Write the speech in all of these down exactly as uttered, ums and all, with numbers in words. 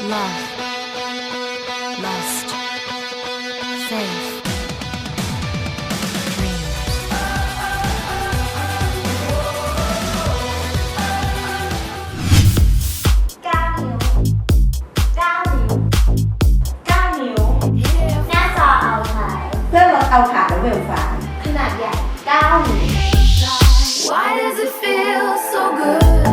love, lust, faith, dreams. เก้านิ้วเก้านิ้วเก้านิ้วหน้าจอเอาถ่ายเพื่อลดเอาขาและเวลฟ้าขนาดใหญ่เก้านิ้ว Why does it feel so good?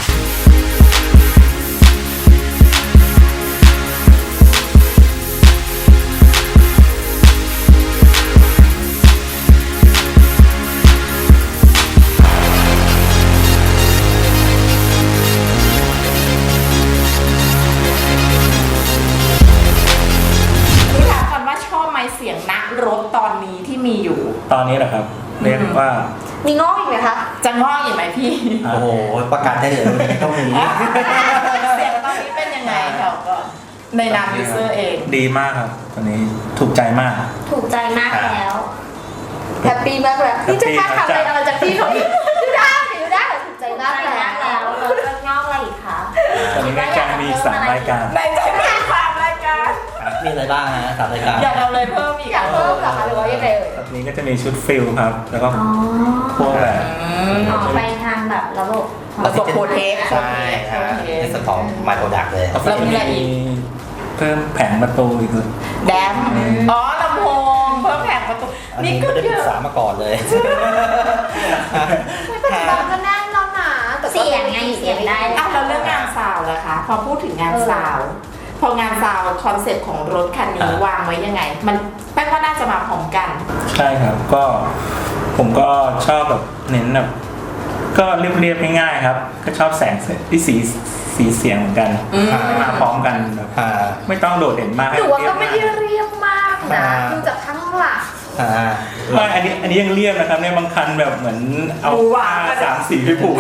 นี่ถามก่อนว่าชอบไหมเสียงนักรบตอนนี้ที่มีอยู่ตอนนี้เหรอครับเรียกว่ามีงอกอีกไหมคะจะงอกอีกไหมพี่อ่ะโอ้โหประกาศได้เลยต้องมีเสียงตอนนี้เป็นยังไงเราก็ในนามยูเซอร์เองดีมากครับตอนนี้ถูกใจมากถูกใจมากแล้วแฮปปี้มากแล้วนี่จะคาดทำอะไรอะไรจากพี่เขาอีกดูได้ดูได้ถูกใจมากแล้วแล้วแล้วงอกอะไรอีกคะตอนนี้ในใจมีอีกสามรายการในใจมีสามรายการมีอะไรบ้างฮะสามรายการอยากเอาเลยเพิ่มอีกอยากเพิ่มเหรอคะหรือว่ายังไงเอ่ยตอนนี้ก็จะมีชุดฟิลครับ แล้วก็พวกแบบอ๋อไปทางแบบระบบระบบโปรเทคใช่ฮะในส่วนของ My Product เลยแล้วมีอะไรอีกเพิ่มแผงประตูอีกเลยแดมอ๋อลำโพงเพิ่มแผงประตูอันนี่นี้ก็ไม่ได้เยปรึกอะษามาก่อนเลยปัจจุบันก็แน่นแล้วนะเสียงไงเสียงได้อ่ะเราเรื่องงานซาวด์ล่ะคะพอพูดถึงงานซาวด์พองานซาวด์คอนเซ็ปต์ของรถคันนี้วางไว้ยังไง มันแป้งว่าน่าจะมาพร้อมกันใช่ครับก็ผมก็ชอบแบบเน้นแบบก็เรียบๆง่ายๆครับ ก็ชอบแสงที่สีสีเสียงเหมือนกันอืมมาพร้อมกันแบบอ่าไม่ต้องโดดเด่นมากหนูว่าก็ไม่ได้เรียบมากนะอ่าดูจากข้างหลังอ่าไม่อันนี้อันนี้ยังเรียบนะครับเนี่ยบางคันแบบเหมือนเอาดูหวาผ้าน สามสีไปผูก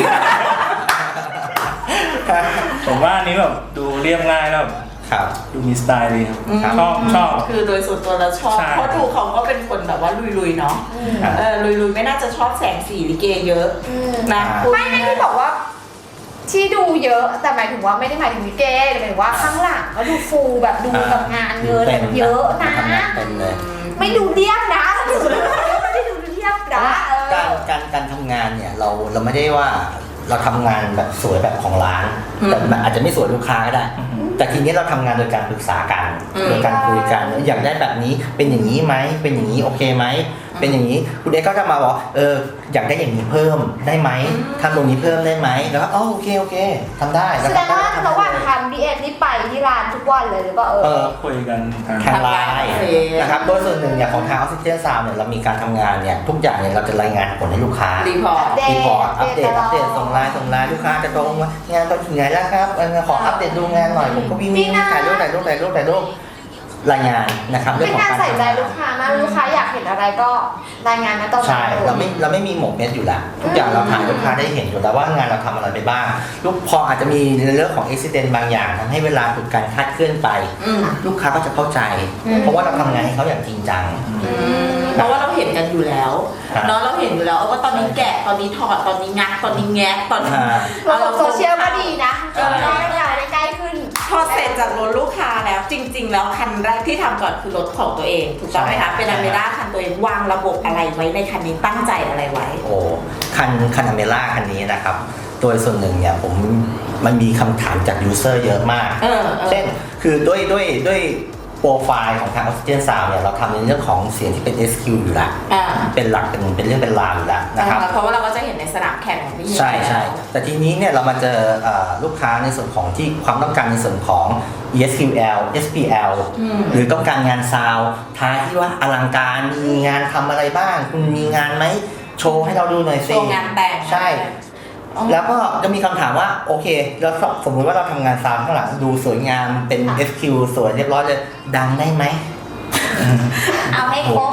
ผมว่าอันนี้แบบดูเรียบง่ายแล้วแบบครับดูมีสไตล์ดีครับชอบชอบคือโดยส่วนตัวเราชอบใช่เพราะดูเขาก็เป็นคนแบบว่าลุยๆเนาะครับเออลุยๆไม่น่าจะชอบแสงสีลิเกเยอะนะอ่าไม่ไม่ที่บอกว่า ที่ดูเยอะแต่หมายถึงว่าไม่ได้หมายถึงลิเกแต่หมายถึงว่าข้างหลังก็ดูฟูแบบดูกับงานเงินแบบเยอะนะทำงานเต็มเลยไม่ดูเดียบนะไม่ได้ดูเดียบนะเอการอการการทำงานเนี่ยเราเราไม่ได้ว่าเราทำงานแบบสวยแบบของร้าน แต่มันอาจจะไม่สวยลูกค้าก็ได้ แต่ทีนี้เราทำงานโดยการปรึกษากันอืมโดยการคุยกันอยากได้แบบนี้เป็นอย่างนี้ไหมเป็นอย่างนี้โอเคไหมเป็นอย่างนี้คุณเอ็กซ์ก็จะมาบอกเอออยากได้อย่างนี้เพิ่มได้ไหมทำตรงนี้เพิ่มได้ไหมแล้วก็อ๋อโอเคโอเคทำได้แสดงว่าระหว่างทำดีเอ็นนี่ไปที่ร้านทุกวันเลยหรือเปล่าเอเอออคุยกันทางทางไลน์โอเคนะครับโดยส่วนหนึ่งอย่างของทางออกซิเจนซาวเนี่ยเรามีการทำงานเนี่ยทุกอย่างเนี่ยเราจะรายงานผลให้ลูกค้ารีพอร์ตเดรีพอร์ตอัปเดตตลอดอัปเดตส่งไลน์ส่งไลน์ลูกค้าจะตรงว่างานตอนถึงไหนแล้วครับเออขออัปเดตดูงานหน่อยผมก็วิ่งวิ่งถ่ายรูปถ่ายรูปถ่ายรูปถ่ายรูปรายงานนะครับเรื่เป็องนของการการใส่ใจลูกค้ามากลูกค้าอยากเห็นอะไรก็รายงานมาตรงนั้ใช่นเลยเราไม่เราไม่มีหมกเม็ดอยู่แล้วทุกอย่างเราถ่ายลูกค้าได้เห็นอยู่แล้วว่างานเราทำอะไรไปบ้างลูกพออาจจะมีในเรื่องของอุบิเหตุบางอย่างทำให้เวลาถูกการคลาดเคลื่อนไปอืมลูกค้าก็จะเข้าใจ เพราะว่าเราทำงานให้เขาอย่างจริงจังอืมเพราะว่าเราเห็นกันอยู่แล้วครับเนาะเราเห็นอยู่แล้วว่าตอนนี้แกะตอนนี้ถอดตอนนี้งัดตอนนี้แงะตอนนี้อ่าระบบโซเชียลก็ดีนะเออได้ได้ใกล้ขึ้นพอเสร็จจากรถลูกค้าแล้วจริง ๆ แล้วคันแรกที่ทำก่อนคือรถของตัวเองถูกต้องไหมคะเป็นอเมร่าคันตัวเองวางระบบอะไรไว้ในคันนี้ตั้งใจอะไรไว้โอ้คันคันอเมร่าคันนี้นะครับโดยส่วนหนึ่งเนี่ยผมมันมีคำถามจากยูเซอร์เยอะมากเออเออเช่นคือด้วยด้วยด้วยโปรไฟล์ของทาง Oxygen Sound เนี่ยเราทำในเรื่องของเสียงที่เป็น เอส คิว อยู่แล้วอ่าเป็นหลักเป็นเป็นเรื่องเป็นราวอยู่แล้วนะครับเพราะว่าเราก็จะเห็นในสนามแข่งของพี่ใช่ใช่แต่ทีนี้เนี่ยเรามาเจอเอ่อลูกค้าในส่วนของที่ความต้องการในส่วนของ อี เอส คิว แอล เอส พี แอล หรือต้องการงานซาวด์ท้ายที่ว่าอลังการมีงานทำอะไรบ้าง คุณมีงานไหมโชว์ให้เราดูหน่อยโชสิว์งานแต่งใช่ แล้วก็จะมีคำถามว่าโอเคแล้วสมมติว่าเราทำงานซาวด์ข้างหลังดูสวยงามเป็น เอส คิว สวยเรียบร้อยเลยดังได้ไหมเอาให้ครบ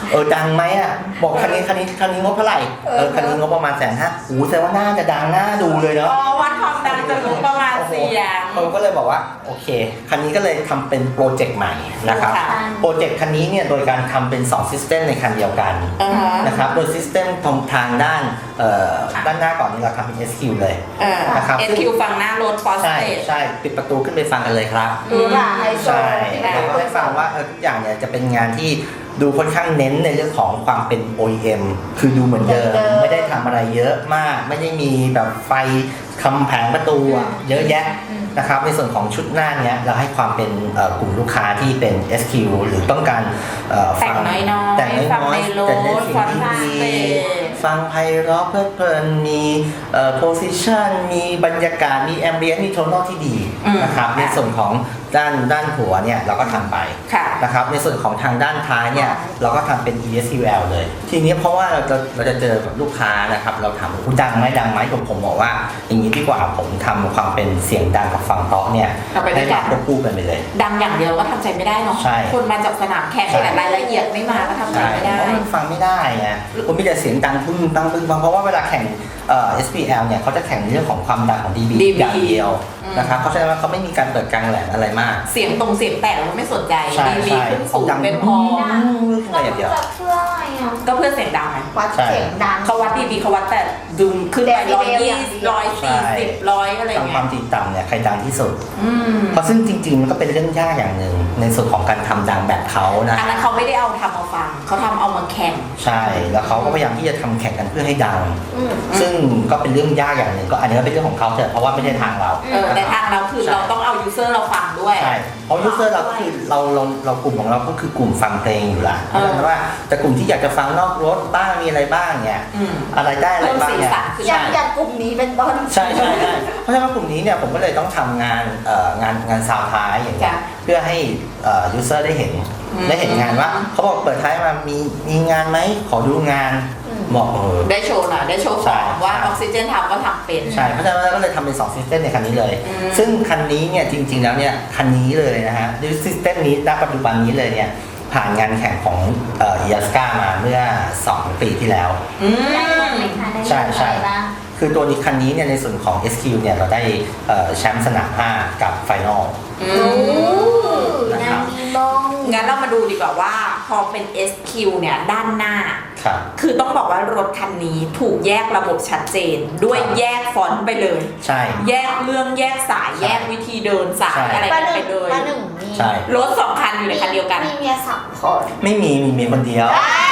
เออดังไหมอ่ะบอกคันนี้คันนี้คันนี้งบเท่าไหร่เออคันนี้งบประมาณแสนห้าโอ้แสดงว่าน่าจะดังน่าดูเลยเนาะอ๋อวัดความดังจะรู้ประมาณเสียงผมก็เลยบอกว่าโอเคคันนี้ก็เลยทำเป็นโปรเจกต์ใหม่นะครับค่ะโปรเจกต์คันนี้เนี่ยโดยการทำเป็นสองซิสเต็มในคันเดียวกันอ่าฮะนะครับโดยซิสเต็มตรงทางด้านเอ่อด้านหน้าก่อนนี้เราทำเป็น เอส คิว เลยเออนะครับเอสคิวฝั่งหน้ารถฟอสใช่เตจใช่ปิดประตูขึ้นไปฟังกันเลยครับดูหราไฮโซใช่ที่เราก็ได้ฟังว่าเออทุกอย่างเนี่ยจะเป็นงานที่ดูค่อนข้างเน้นในเรื่องของความเป็น โอ อี เอ็ม คือดูเหมือนเดิมไม่ได้ทำอะไรเยอะมาก ไม่ได้มีแบบไฟคำแผงประตูอะเยอะแยะนะครับในส่วนของชุดหน้าเนี้ยเราให้ความเป็นเอ่อกลุ่มลูกค้าที่เป็น เอส คิว หรือต้องการเอ่อแต่งน้อยๆแต่งน้ฟังอยในรๆแต่ในถสิ่งฟังที่ทางดีสเตจฟังไพเราะเพลิดเพลินมีเอ่อโพสิชันมีบรรยากาศมีแอมเบียนมีโทนอลที่ดีอืมนะครับในส่วนของด้านด้านหัวเนี่ยเราก็ทำไปค่ะนะครับในส่วนของทางด้านท้ายเนี่ยเราก็ทำเป็น อี เอส คิว แอล เลย ทีนี้เพราะว่าเราจะเราจะเจอกับลูกค้านะครับเราถามว่าดังไหมดังไหมผมผมบอกว่าอย่างนี้ดีกว่าผมทำความเป็นเสียงดังกับฟังเตาะเนี่ยเอาไปด้ให้วยกัมาน ควบคู่กันไปเลยดังอย่างเดียวก็ทำใจไม่ได้เนาะใช่คนมาจากสนามแข่งใช่แต่รายละเอียดไม่มาก็ทำใจใช่ไม่ได้เพราะมันฟังไม่ได้ไงคุณมีแต่เสียงดังปึ้งปังปึ้งปังเพราะว่าเวลาแข่งเอ่อ เอส พี แอล เนี่ยเขาจะแข่งในเรื่องของความดังของ ดี บีดี บีอย่างเดียวอืมนะครับเพราะฉะนั้นว่าเขาไม่มีการเปิดกลางแหลมอะไรมากเสียงตรงเสียงแตกเราไม่สนใจใช่ดีบีใช่ขึ้นสูงดังเป็นพออะไรอย่างเดียวจะเพื่ออะไรอ่ะก็เพื่อเสียงดังไงวัดเสียงดังเขาวัดดีบีเขาวัดแต่ดุมขึ้นไปเดซิร้อเบยลยี่อย่างเดียวร้อยสี่สิบร้อยอะไรทำคเงี้วาย มถี่ต่ำเนี่ยใครดังที่สุดอืมเพราะซึ่งจริงๆมันก็เป็นเรื่องยากอย่างหนึ่งในส่วนของการทำดังแบบเขานะอันนั้นเขาไม่ได้เอาทำมาฟังเขาทำเอามาแข่งใช่แล้วเขาก็พยายามที่จะทำแข่งกันเพื่อให้ดังอืมซึ่งก็เป็นเรื่องยากอย่างหนึ่งก็อันนี้ก็เป็นเรื่องของเขาเถอะเพราะว่าไม่ใช่ทางเราเออแต่ทางเราคือใช่เราต้องเอายูเซอร์เราฟังด้วยใช่เพราะยูเซอร์เราก็คือเราเราเรากลุ่มของเราก็คือกลุ่มฟังเพลงอยู่ละเพเออราะฉะนั้นว่าแต่กลุ่มที่อยากจะฟังนอกรถบ้างมีอะไรบ้างเนี่ยอืมอะไรได้อะไรบ้างเนี่ยเพิ่มสีสันขึ้นอย่างอย่างกลุ่มนี้เป็นต้นใช่ใช่ใช่เพราะฉะนั้นกลุ่มนี้เนี่ยผมก็เลยต้องทำงานเอ่องานงานซาวท้ายอย่างเงี้ยจ้ะเพื่อให้เอ่อยูเซอร์ได้เห็นอืมได้เห็นงานว่าเขาบอกเปิดท้ายมามีมีงานไหมขอดูงานอืมบอกเออได้โชว์หน่อยได้โชว์ขใช่องว่าใช่ออกซิเจนทำก็ทำเป็นใช่เพราะฉะนั้นเราก็เลยทำเป็นสองซิสเต็มในคันนี้เลยอืมซึ่งคันนี้เนี่ยจริงๆแล้วเนี่ยคันนี้เลยนะฮะด้วยซิสเต็มนี้ณปัจจุบันนี้เลยเนี่ยผ่านงานแข่งของเอ่อยาสกามาเมื่อสองปีที่แล้วอืได้ลงมไหมคะได้ลงใช่ใช่อะไรบ้างคือตัวนี้คันนี้เนี่ยในส่วนของ เอส คิว เนี่ยเราได้เอ่อแชมป์สนามห้ากับไฟนอลอืโอ้มนะครันาบงมีมองงั้นเรามาดูดีกว่าว่าพอเป็น เอส คิว เนี่ยด้านหน้าครับคือต้องบอกว่ารถคันนี้ถูกแยกระบบชัดเจน ด้วยครับแยกฟอนต์ไปเลยใช่แยกเรื่องแยกสายใช่แยกวิธีเดินสายใช่อะไรป้ากันหไปนึ่งเลยป้าหนึ่งมีใช่รถสองคันอยู่ในคันเดียวกันมีเมียสามคนไม่มีมีเมียคนเดียว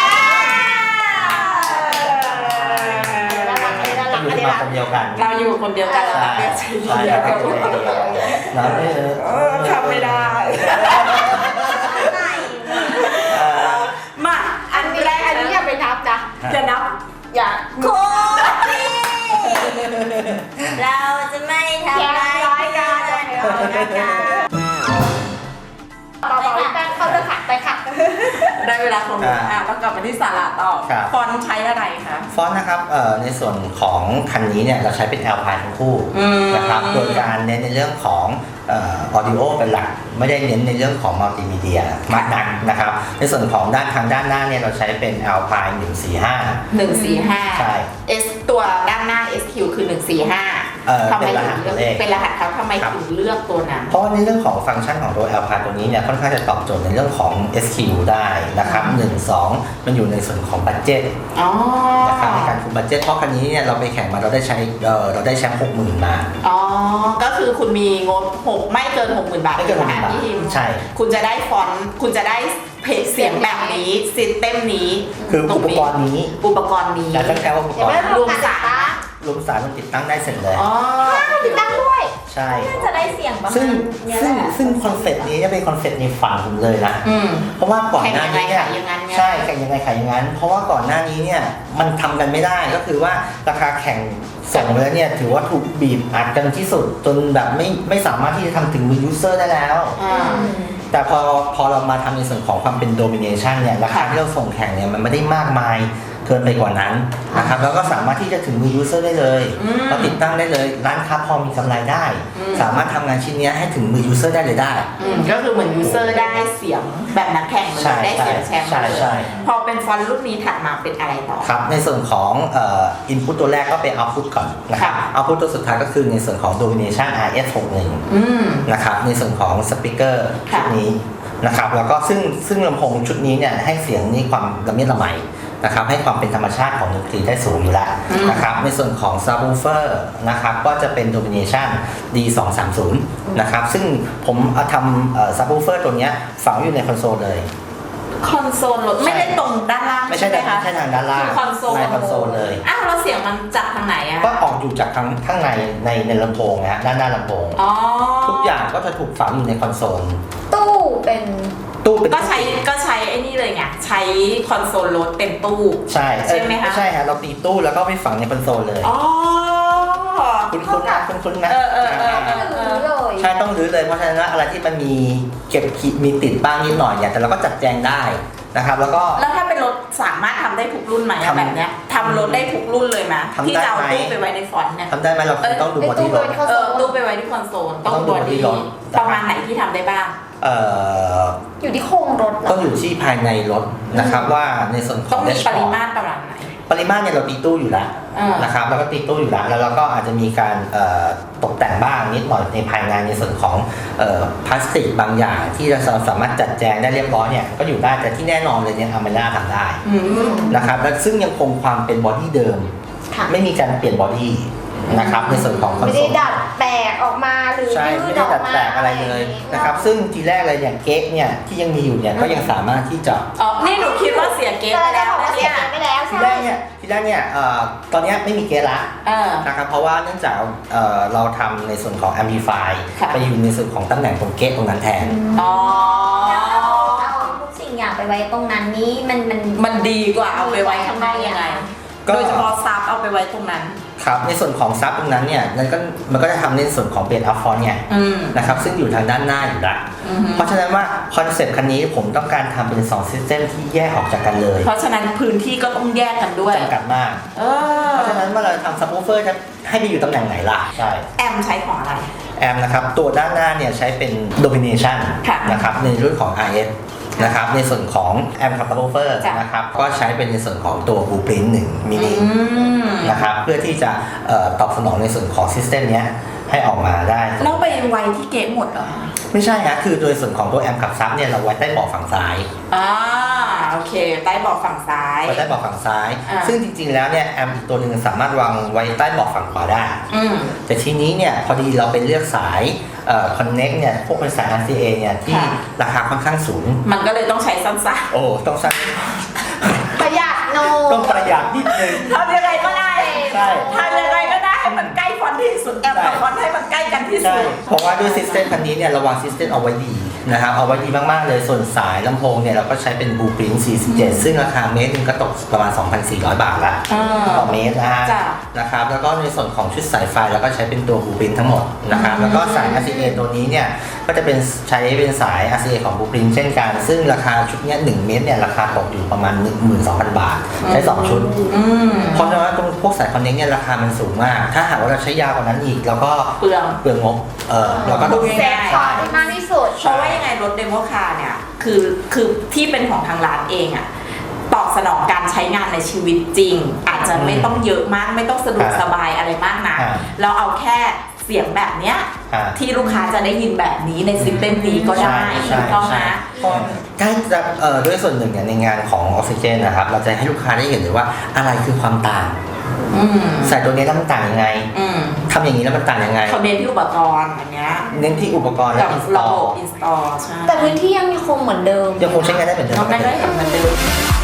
น่ารักอันนี้น่ารักอยู่อันนี้มาน่ารักคนเดียวกันเราอยู่คนเดียวกันใช่เราเรียกใช้ใช่เดียวเรากันเป็นคนเดียวแล้วเออเออทำไม่ได้เอ่อมาอัอันนนี้แรกอันนี้อย่าไปนับนะจะนับอย่าโคตรเราจะไม่ทำร้ายร้อยกันต่อต่อพี่แป้งเข้าเรื่องขัดไปค่ะได้เวลาของหนูอ่ะต้องกลับมาที่สาระต่อครับฟอนต์ใช้อะไรคะฟอนต์นะครับเอ่อในส่วนของคันนี้เนี่ยเราใช้เป็น Alpine ทั้งคู่อืมนะครับโดยการเน้นในเรื่องของเอ่อ audio เป็นหลักไม่ได้เน้นในเรื่องของมัลติมีเดียมากนักนะครับในส่วนของด้านทางด้านหน้าเนี่ยเราใช้เป็น Alpine หนึ่งสี่ห้าหนึ่งสี่ห้าใช่ S ตัวด้านหน้า เอส คิว คือหนึ่งสี่ห้าเอ่อทำไมเป็นรหัถึสงเลือกเลขเป็นรหัสเขาทำไมครับถึงเลือกตัวนั้นเพราะว่าในเรื่องของฟังก์ชันของตัว Alpine ตัวนี้เนี่ยค่อนข้างจะตอบโจทย์ในเรื่องของ เอส คิว ได้นะครับหนึ่ง สองมันอยู่ในส่วนของบัตเจ็ตอ๋อนะครับในการคุมบัตเจ็ตเพราะคันนี้เนี่ยเราไปแข่งมาเราได้ใช้เอ่อเราได้แชมป์หกหมื่นมาอ๋อ ก็คือคุณมีงบหกไม่เกินหกหมื่นบาทไม่เกินหกหมื่นบาทพี่ทิมใช่คุณจะได้ฟอนต์คุณจะได้เพจเสียงแบบนี้ซิสเต็มนี้คือตอุปกรณ์นี้อุปกรณ์นี้แต่ตั้งแต่ว่าอุปกเดี๋ยวรไม่ณ์รวมกันติดตั้งรวมสายมันติดตั้งได้เสร็จเลยอ๋อติดตั้งด้วยใช่จะได้เสียงประมาซึ่งณเนี้ยซึ่งแหละซึ่งคอนเซ็ปต์นี้จะเป็นคอนเซ็ปต์ในฝันผมเลยนะอืมเพราะว่าก่อนหน้านี้เนี่ยแข่งยังไงขายอย่างนั้นไงใช่แข่งยังไงขายอย่างนั้น เพราะว่าก่อนหน้านี้เนี่ยมันทำกันไม่ได้ก็คือว่าราคาแข่งส่งไปแล้วเนี่ยถือว่าถูกบีบอัดกันที่สุด จนแบบไม่ไม่สามารถที่จะทำถึงมือยูเซอร์ได้แล้วอ่าแต่พอพอเรามาทำในส่วนของความเป็นโดมิเนชันเนี่ยราคาที่เราส่งแข่งเนี่ยมันไม่ได้มากมายเกินไปกว่านั้นนะครับแล้วก็สามารถที่จะถึงมือยูเซอร์ได้เลยอืมเราติดตั้งได้เลยร้านค้าพอมีกำไรได้อืมสามารถทำงานชิ้นเนี้ยให้ถึงมือยูเซอร์ได้เลยได้อืมก็คือเหมือนยูเซอร์ได้เสียงแบบนักแข่งเลใช่ยได้เสียงแชมป์ใช่เลยใช่พอเป็นฟอนต์รุ่นนี้ถัดมาเป็นอะไรต่อครับในส่วนของเอ่อ input ตัวแรกก็เป็น output ก่อนนะครับค่ะ output ตัวสุดท้ายก็คือในส่วนของ domination อาร์ เอส หกสิบเอ็ดอืมนะครับในส่วนของ speaker ชุค่ะดนี้นะครับแล้วก็ซึ่งซึ่งลำโพงชุดนี้เนี่ยให้เสียงนี่ความละเมียดละไมนะครับให้ความเป็นธรรมชาติของดนตรีได้สูงอยู่แล้วนะครับในส่วนของ subwoofer นะครับก็จะเป็น domination ดี สองสามศูนย์ นะครับซึ่งผมเอาทำเอ่อ subwoofer ตัวเนี้ยฝังอยู่ในคอนโซลเลยคอนโซลรถไม่ได้ตรงด้านล่างไม่ใช่ไหมคะไม่ใช่ทางด้านล่างคือคอนโซลในคอนโซลเลยอ้าวแล้วเสียงมันจากทางไหนอะก็ออกอยู่จากข้างข้างในในในลำโพงนะฮะด้านหน้าลำโพงอ๋อทุกอย่างก็จะถูกฝังอยู่ในคอนโซลตู้เป็นตู้เป็นก็ใช้ก็ใช้ไอ้นี่เลยไงใช้คอนโซลรถเป็นตู้ใช่ใช่ไหมคะใช่ฮะเราตีตู้แล้วก็ไปฝังในคอนโซลเลยอ๋อคุณคุณนะคุณคุณนะเออเออเออเออหรือเลยใช่ต้องรื้อเลยเพราะฉะนั้นแล้วอะไรที่มันมีเก็บขีดมีติดบ้างนิดหน่อยเนี่ยแต่เราก็จัดแจงได้นะครับ แล้วก็แล้วถ้าเป็นรถสามารถทำได้ทุกรุ่นไหมอะทำแบบเนี้ยทำรถได้ทุกรุ่นเลยไหมทำได้ที่จะเอาไหมตู้ไปไว้ในฟอนต์เนี่ยทำได้ไหมเราคงต้องดูบอดี้รถเออตู้ไปไว้ที่คอนโซลต้องต้องดูบอดี้ body รถประมาณไหนที่ทำได้บ้างเอ่ออยู่ที่โครงรถเหรต้องอยู่ที่ภายในรถนะครับว่าในส่วนขอต้อง งมีป dashboard ริมาตรประมาณไหนปริมาตรเนี่ยเราตีตู้อยู่แล้วอ่านนะครับแล้วก็ตีตู้อยู่แล้วแล้วเราก็อาจจะมีการเอ่อตกแต่งบ้างนิดหน่อยในภายในในส่วนของเอ่อพลาสติกบางอย่างที่เราสามารถจัดแจงได้เรียบร้อยเนี่ยก็อยู่ได้แต่ที่แน่นอนเลยเนี่ยอเมร่าทำได้อืมนะครับและซึ่งยังคงความเป็นบอดี้เดิมค่ะไม่มีการเปลี่ยนบอดี้นะครับในส่วนของคอนไม่โซได้ลดัดแปลกออกมาหรือใช่ยืไม่ดได้ออกดัดมาแปลงอะไรเลยนะครับซึ่งทีแรกเลยเนี่ยเก๊กเนี่ยที่ยังมีอยู่เนี่ยก็ยังสามารถที่จะอ๋อ นี่หนูคิดว่าเสียเกตแต่ไปได้แล้วบอกนะว่าเสีเนี่ย ยไปแล้วทีใช่แรกเนี่ยทีแรกเนี่ยเอ่อตอนเนี้ยไม่มีเก๊กละเออนะครับเพราะว่าเนื่องจากเอ่อเราทำในส่วนของ amplify ค่ะไปอยู่ในส่วนของตำแหน่งตรงเก๊กตรงนั้นแทนอ๋อแล้วเอาเอาทุกสิ่งอย่างไปไว้ตรงนั้นนี้มันมันมันดีกว่าเอาไปไว้ข้างนอกยังไงก็โดยเฉพาะซับเอาไปไว้ตรงนั้นครับในส่วนของซับตรงนั้นเนี่ยมันก็มันก็จะทำในส่วนของเบสอัพฟอนเนี่ยอืมนะครับซึ่งอยู่ทางด้านหน้าอยู่ละอือฮึเพราะฉะนั้นว่าคอนเซปต์คันนี้ผมต้องการทำเป็นสองซิสเต็มที่แยกออกจากกันเลยเพราะฉะนั้นพื้นที่ก็ต้องแยกกันด้วยจำกัดมากเออเพราะฉะนั้นเมื่อเราทำซับวูเฟอร์จะให้ไปอยู่ตำแหน่งไหนล่ะใช่แอมใช้ของอะไรแอมนะครับตัวด้านหน้าเนี่ยใช้เป็น domination ค่ะนะครับในรุ่นของ อาร์ เอส นะครับในส่วนของแอมกับซับวูเฟอร์จ้ะนะครับก็ใช้เป็นในส่วนของตัว Blueprint หนึ่งมินิอืมนะครับเพื่อที่จะเอ่อตอบสนองในส่วนของซิสเต็มเนี้ยให้ออกมาได้แล้วไปไว้ที่เกตหมดเหรอไม่ใช่ฮะคือโดยส่วนของตัวแอมกับซับเนี่ยเราไว้ใต้เบาะฝั่งซ้ายอ่าโอเค ใต้เบาะฝั่งซ้ายไว้ใต้เบาะฝั่งซ้ายอ่าซึ่งจริงๆแล้วเนี่ยแอมอีกตัวหนึ่งสามารถวางไว้ใต้เบาะฝั่งขวาได้อืมแต่ทีนี้เนี่ยพอดีเราไปเลือกสายเอ่อ connect เนี่ยพวกเป็นสาย อาร์ ซี เอ เนี่ยที่ค่ะราคาค่อนข้างสูงมันก็เลยต้องใช้สั้นโอ้ต้องสั้นประหยัดโนต้องประหยัดนิดนึงๆทำยังไงก็ได้ใช่ทำยังไงก็ได้ให้มันใกล้ฟอนต์ที่สุดแอมกับฟอนต์ให้มันใกล้กันที่ใช่สุดเพราะว่าด้วยซิสเต็มคันนี้เนี่ยเราวางซิสเต็มเอาไว้ดีนะครับเอาไว้ดีมากๆเลยส่วนสายลำโพงเนี่ยเราก็ใช้เป็น Blueprint สี่สิบเจ็ดซึ่งราคาเมตรหนึงก็ตกประมาณ สองพันสี่ร้อย บาทละอ่าต่อเมตรนะฮะจ้ะนะครับแล้วก็ในส่วนของชุดสายไฟเราก็ใช้เป็นตัว Blueprint ทั้งหมดนะครับแล้วก็สาย อาร์ ซี เอ ตัวนี้เนี่ยก็จะเป็นใช้เป็นสาย อาร์ ซี เอ ของ Blueprint เช่นกันซึ่งราคาชุดเนี้ยหนึ่งเมตรเนี่ยราคาตกอยู่ประมาณ หนึ่งหมื่นสองพัน บาทใช้สองชุดอืมเพราะฉะนั้นตรงพวกสายคอนเนคเนี่ยราคามันสูงมาก ถ้าหากว่าเราใช้ยาวกว่านั้นอีกเราก็เปลืองเปลืองงบเออเราก็ต้องพูดเซง่ายฟคอร์ดให้มากที่สุดเพราะว่ายังไงรถเดโมคาร์เนี่ยคือคือที่เป็นของทางร้านเองอะตอบสนองการใช้งานในชีวิตจริง อาจจะไม่ต้องเยอะมากไม่ต้องสะดวกอ่าสบายอะไรมากนะอ่าเราเอาแค่เสียงแบบเนี้ยอ่าที่ลูกค้าจะได้ยินแบบนี้ในซิสเต็มนี้ก็ได้ใช่ถูกต้องใช่นะก็ใกล้จะเอ่อด้วยส่วนหนึ่งเนี่ยในงานของออกซิเจนนะครับเราจะให้ลูกค้าได้เห็นเลยว่าอะไรคือความต่างอืมใส่ตัวนี้แล้วมันต่างยังไงอืมทำอย่างนี้แล้วมันต่างยังไงเขาเน้นที่อุปกรณ์อันเนี้ยเน้นที่อุปกรณ์และกับอินสตระอบลบอินสตอลใช่แต่พื้นที่ยังคงเหมือนเดิมยังคงใช้งานได้เหมือนเดิมน้องได้ได้เห็นเหมือนเดิม